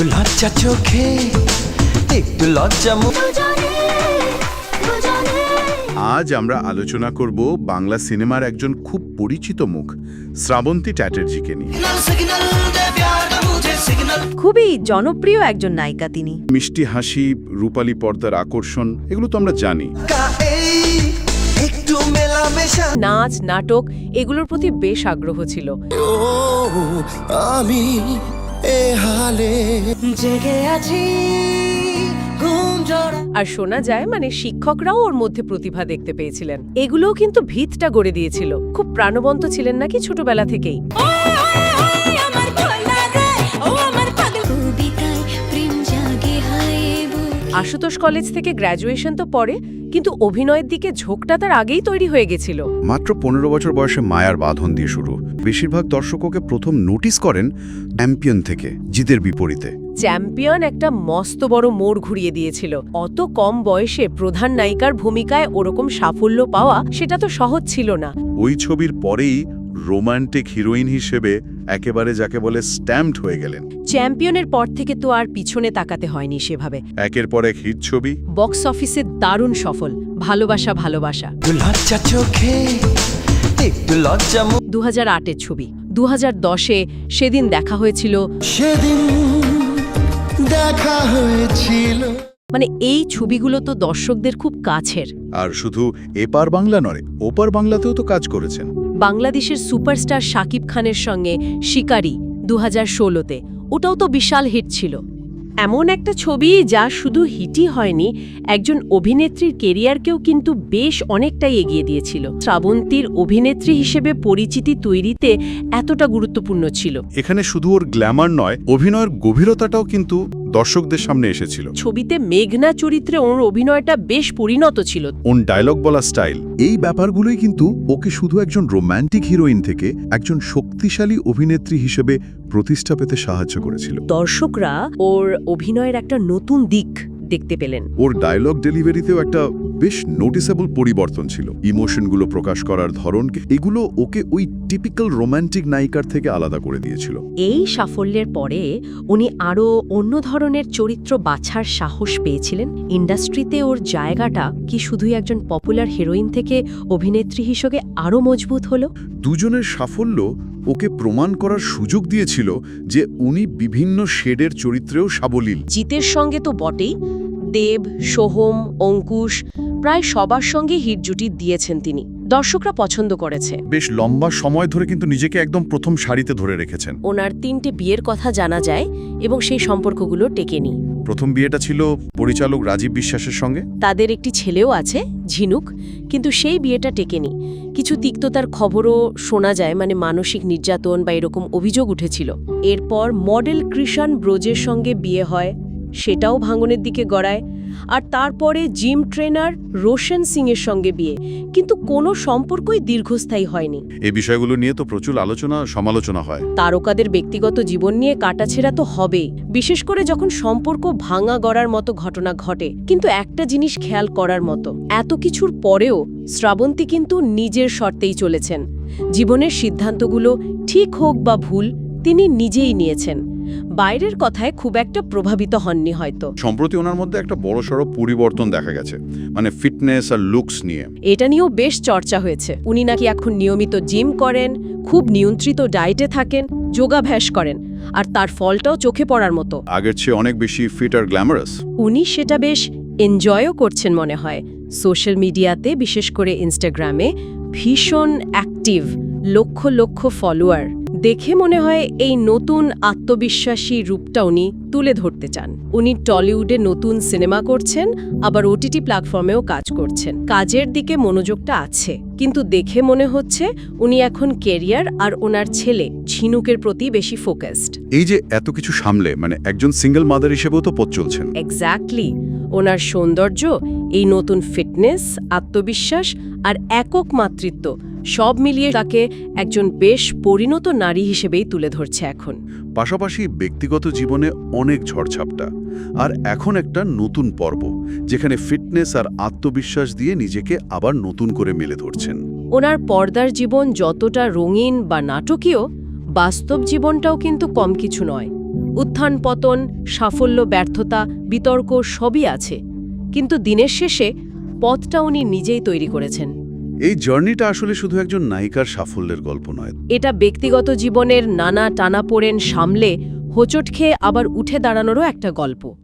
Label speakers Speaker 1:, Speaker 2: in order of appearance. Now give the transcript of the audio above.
Speaker 1: লজ্জা চোখে একটু লজ্জা
Speaker 2: আজ আমরা আলোচনা করব বাংলা সিনেমার একজন খুব পরিচিত মুখ শ্রাবন্তী চ্যাটার্জিকে নিয়ে।
Speaker 3: খুবই জনপ্রিয় একজন নায়িকা তিনি।
Speaker 2: মিষ্টি হাসি, রূপালী পর্দার আকর্ষণ, এগুলো তো আমরা জানি।
Speaker 3: নাচ, নাটক এগুলোর প্রতি বেশ আগ্রহ ছিল।
Speaker 1: আমি জেগে আছি।
Speaker 3: আর শোনা যায় শিক্ষকরাও ওর মধ্যে প্রতিভা দেখতে পেয়েছিলেন। এগুলোও কিন্তু ভিতটা গড়ে দিয়েছিল। খুব প্রাণবন্ত ছিলেন নাকি ছোটবেলা থেকেই। আশুতোষ কলেজ থেকে গ্র্যাজুয়েশন তো পরে, কিন্তু অভিনয়ের দিকে ঝোঁকটা তার আগেই তৈরি হয়ে গেছিল।
Speaker 2: মাত্র 15 বছর বয়সে মায়ার বাঁধন দিয়ে শুরু। বেশিরভাগ দর্শক ওকে প্রথম নোটিস করেন চ্যাম্পিয়ন থেকে, জিতের বিপরীতে।
Speaker 3: চ্যাম্পিয়ন একটা মস্ত বড় মোড় ঘুরিয়ে দিয়েছিল। অত কম বয়সে প্রধান নায়িকার ভূমিকায় ওরকম সাফল্য পাওয়া সেটা তো সহজ ছিল না।
Speaker 2: ওই ছবির পরেই রোমান্টিক হিরোইন হিসেবে একেবারে যাকে বলে স্ট্যাম্পড হয়ে গেলেন।
Speaker 3: চ্যাম্পিয়নের পর থেকে তো আর পিছনে তাকাতে হয়নি সেভাবে।
Speaker 2: একের পর এক হিট ছবি,
Speaker 3: বক্স অফিসে দারুণ সফল। ভালোবাসা ভালোবাসা,
Speaker 1: লজ্জা চোখে একটু লজ্জা
Speaker 3: 2008-এর ছবি। 2010-এ সেদিন দেখা হয়েছিল।
Speaker 1: সেদিন দেখা হয়েছিল।
Speaker 3: এই ছবিগুলো তো দর্শকদের খুব কাছের।
Speaker 2: আর শুধু এপার বাংলা নয়, ওপার বাংলাতেও তো কাজ করেছেন।
Speaker 3: বাংলাদেশের সুপারস্টার শাকিব খানের সঙ্গে শিকারি 2016-তে, ওটাও তো বিশাল হিট ছিল। এমন একটা ছবি যা শুধু হিটই হয়নি, একজন অভিনেত্রীর কেরিয়ারকেও কিন্তু বেশ অনেকটাই এগিয়ে দিয়েছিল। শ্রাবন্তীর অভিনেত্রী হিসেবে পরিচিতি তৈরিতে এতটা গুরুত্বপূর্ণ ছিল।
Speaker 2: এখানে শুধু ওর গ্ল্যামার নয়, অভিনয়ের গভীরতাটাও কিন্তু দর্শকদের সামনে এসেছিল।
Speaker 3: ছবিতে মেঘনা চরিত্রে ওর অভিনয়টা বেশ পরিণত ছিল।
Speaker 2: ওর ডায়লগ বলা স্টাইল, এই ব্যাপারগুলোই কিন্তু ওকে শুধু একজন রোম্যান্টিক হিরোইন থেকে একজন শক্তিশালী অভিনেত্রী হিসেবে প্রতিষ্ঠা পেতে সাহায্য করেছিল।
Speaker 3: দর্শকরা ওর অভিনয়ের একটা নতুন দিক দেখতে পেলেন।
Speaker 2: ওর ডায়লগ ডেলিভারিতেও একটা বেশ নোটিসেবল পরিবর্তন ছিল। ইমোশনগুলো প্রকাশ করার ধরন, এগুলো ওকে ওই টিপিক্যাল রোম্যান্টিক নায়িকার থেকে আলাদা করে দিয়েছিল।
Speaker 3: এই সাফল্যের পরে উনি আরও অন্য ধরনের চরিত্র বাছার সাহস পেয়েছিলেন। ইন্ডাস্ট্রিতে ওর জায়গাটা কি শুধুই একজন পপুলার হিরোইন থেকে অভিনেত্রী হিসেবে আরও মজবুত হলো?
Speaker 2: দুজনের সাফল্য ওকে প্রমাণ করার সুযোগ দিয়েছিল যে উনি বিভিন্ন শেডের চরিত্রেও সাবলীল।
Speaker 3: জিতের সঙ্গে তো বটেই, দেব, সোহম, অঙ্কুশ প্রায় সবার সঙ্গে হিট জুটি দিয়েছেন তিনি। দর্শকরা পছন্দ করেছে।
Speaker 2: বেশ লম্বা সময় ধরে কিন্তু নিজেকে একদম প্রথম সারিতে ধরে রেখেছেন।
Speaker 3: ওনার 3টে বিয়ের কথা জানা যায় এবং সেই সম্পর্কগুলো টেকেনি।
Speaker 2: প্রথম বিয়েটা ছিল পরিচালক রাজীব বিশ্বাসের সঙ্গে।
Speaker 3: তাদের একটি ছেলেও আছে, ঝিনুক, কিন্তু সেই বিয়েটা টেকেনি। কিছু তিক্ততার খবরও শোনা যায়, মানসিক নির্যাতন বা এরকম অভিযোগ উঠেছিল। এরপর মডেল কৃষাণ ব্রোজের সঙ্গে বিয়ে হয়, সেটাও ভাঙনের দিকে গড়ায়। আর তারপরে জিম ট্রেনার রোশন সিংয়ের সঙ্গে বিয়ে, কিন্তু কোনো সম্পর্কই দীর্ঘস্থায়ী হয়নি।
Speaker 2: এই বিষয়গুলো নিয়ে তো প্রচুর আলোচনা সমালোচনা হয়।
Speaker 3: তারকাদের ব্যক্তিগত জীবন নিয়ে কাটাছেঁড়া তো হবেই, বিশেষ করে যখন সম্পর্ক ভাঙা গড়ার মতো ঘটনা ঘটে। কিন্তু একটা জিনিস খেয়াল করার মতো, এত কিছুর পরেও শ্রাবন্তী কিন্তু নিজের শর্তেই চলেছেন। জীবনের সিদ্ধান্তগুলো ঠিক হোক বা ভুল, তিনি নিজেই নিয়েছেন। বাইরের কথায় খুব একটা প্রভাবিত হননি হয়তো।
Speaker 2: সম্প্রতি ওনার মধ্যে একটা বড়সড় পরিবর্তন দেখা গেছে, ফিটনেস আর লুকস নিয়ে।
Speaker 3: এটা নিয়েও বেশ চর্চা হয়েছে। উনি নাকি এখন নিয়মিত জিম করেন, খুব নিয়ন্ত্রিত ডায়েটে থাকেন, যোগাভ্যাস করেন, আর তার ফলটাও চোখে পড়ার মতো।
Speaker 2: আগের চেয়ে অনেক বেশি ফিট আর গ্ল্যামারাস।
Speaker 3: উনি সেটা বেশ এনজয়ও করছেন মনে হয়। সোশ্যাল মিডিয়াতে, বিশেষ করে ইনস্টাগ্রামে ভীষণ অ্যাক্টিভ, লক্ষ লক্ষ ফলোয়ার। দেখে মনে হয় এই নতুন আত্মবিশ্বাসী রূপটা উনি তুলে ধরতে চান। উনি টলিউডে নতুন সিনেমা করছেন, আবার ওটিটি প্ল্যাটফর্মেও কাজ করছেন। কাজের দিকে মনোযোগটা আছে, কিন্তু দেখে মনে হচ্ছে উনি এখন কেরিয়ার আর ওনার ছেলে ঝিনুকের প্রতি বেশি ফোকাসড।
Speaker 2: এই যে এত কিছু সামলে একজন সিঙ্গেল মাদার হিসেবেও তো পথ চলছেন।
Speaker 3: এক্স্যাক্টলি। ওনার সৌন্দর্য, এই নতুন ফিটনেস, আত্মবিশ্বাস আর একক মাতৃত্ব সব মিলিয়ে তাকে একজন বেশ পরিণত নারী হিসেবেই তুলে ধরছে এখন।
Speaker 2: পাশাপাশি ব্যক্তিগত জীবনে অনেক ঝড়ঝাপটা, আর এখন একটা নতুন পর্ব যেখানে ফিটনেস আর আত্মবিশ্বাস দিয়ে নিজেকে আবার নতুন করে মেলে ধরছেন।
Speaker 3: ওনার পর্দার জীবন যতটা রঙিন বা নাটকীয়, বাস্তব জীবনটাও কিন্তু কম কিছু নয়। উত্থান পতন, সাফল্য ব্যর্থতা, বিতর্ক সবই আছে, কিন্তু দিনের শেষে পথটা উনি নিজেই তৈরি করেছেন।
Speaker 2: এই জার্নিটা আসলে শুধু একজন নায়িকার সাফল্যের গল্প নয়,
Speaker 3: এটা ব্যক্তিগত জীবনের নানা টানাপোড়েন সামলে হোঁচট খেয়ে আবার উঠে দাঁড়ানোরও একটা গল্প।